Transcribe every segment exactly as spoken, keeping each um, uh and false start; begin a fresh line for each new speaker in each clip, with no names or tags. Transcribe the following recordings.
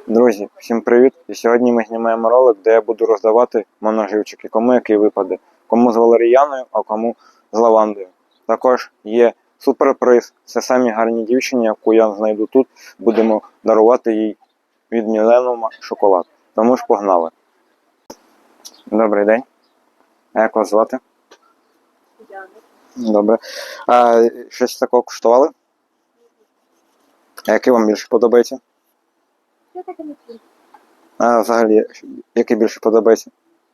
Друзі, всім привіт! І сьогодні ми знімаємо ролик, де я буду роздавати моноживчики, кому який випаде. Кому з валеріяною, а кому з лавандою. Також є суперприз. Це самі гарні дівчині, яку я знайду тут. Будемо дарувати їй від Міленума шоколад. Тому ж погнали. Добрий день. А як вас звати?
Яна.
Добре. А щось такого куштували? А який вам більше подобається?
Я так і не п'ю.
А взагалі, який більше подобається?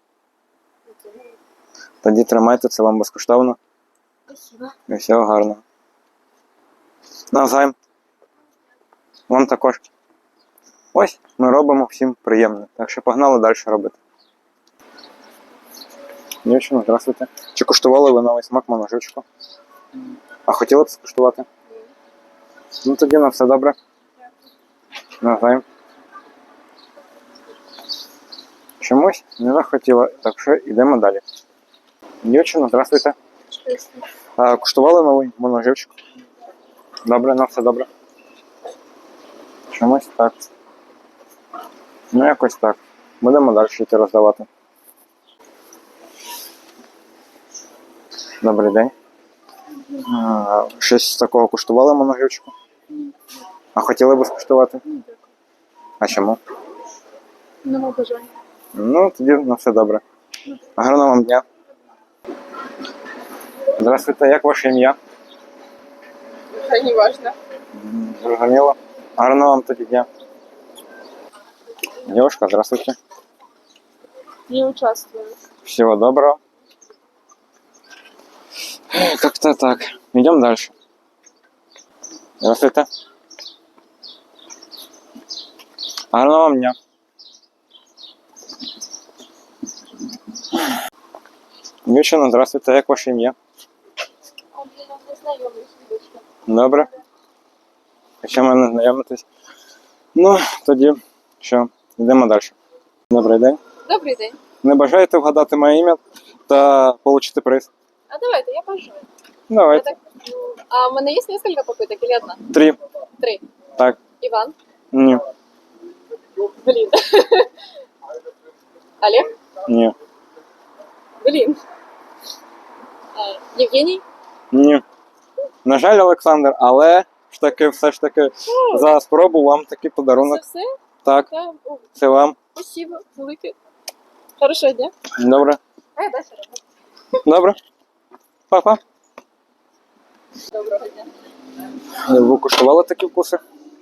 Тоді тримайте, це вам безкоштовно.
Спасибо.
І всього гарного. Навзаєм. Вам також. Ось, ми робимо всім приємно. Так що погнали далі робити. Дівчина, здравствуйте. Чи куштували ви новий смак моноживчику? А хотіли б скуштувати? Ну тоді на все добре. Навзаєм. Чомусь не захотіла, так що йдемо далі. Дівчина, здравствуйте. А, куштували новий моноживчик? Добре, на все добре. Чомусь так. Ну якось так. Будемо далі йти роздавати. Добрий день. А, щось такого куштували моноживчику? А хотіли б скуштувати? А чому?
Нема бажання.
Ну, тоді на все добре. Гарного вам дня. Здравствуйте, як ваше ім'я?
Це не важно.
Зрозуміло. Гарного вам тоді дня. Девушка, здравствуйте.
Не участвую.
Всего доброго. Как-то так. Идем дальше. Здравствуйте. Гарного вам дня. Дівчина, здравствуйте, як ваше ім'я?
А він не знайомий з дочкою.
Добре. Якщо ми не знайомитесь. Ну, тоді що, йдемо далі. Добрий день.
Добрий день.
Не бажаєте вгадати моє ім'я та отримати приз?
А давайте, я бажаю. Я
Давайте.
так, ну, а в мене є несколько попиток или одна?
Три.
Три.
Так.
Иван.
Ні.
Блин. Олег.
Ні.
Блин. А, Евгений.
Ні. На жаль, Олександр, але ж таки, все ж таки, за спробу вам такий подарунок.
Це все?
Так,
Да. О,
це вам.
спасибо. Велике. Хорошого дня.
Добре.
А я далі роблю.
Добре. Па-па.
Доброго дня.
Ви куштували такі вкуси?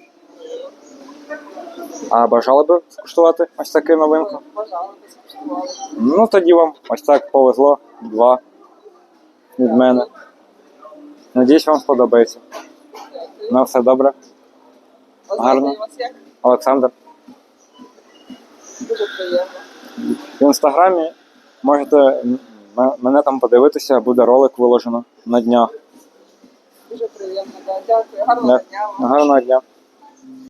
А бажали би скуштувати ось таку новинку?
Бажали, скуштували.
Ну, тоді вам ось так повезло. Два від мене. Надіюсь, вам сподобається. На все добре. Гарно.
У вас як?
Олександр.
Дуже приємно.
В інстаграмі можете м- мене там подивитися, буде ролик виложено на днях.
Дуже приємно, да. Дякую. Гарного
Так.
дня вам.
Гарного дня.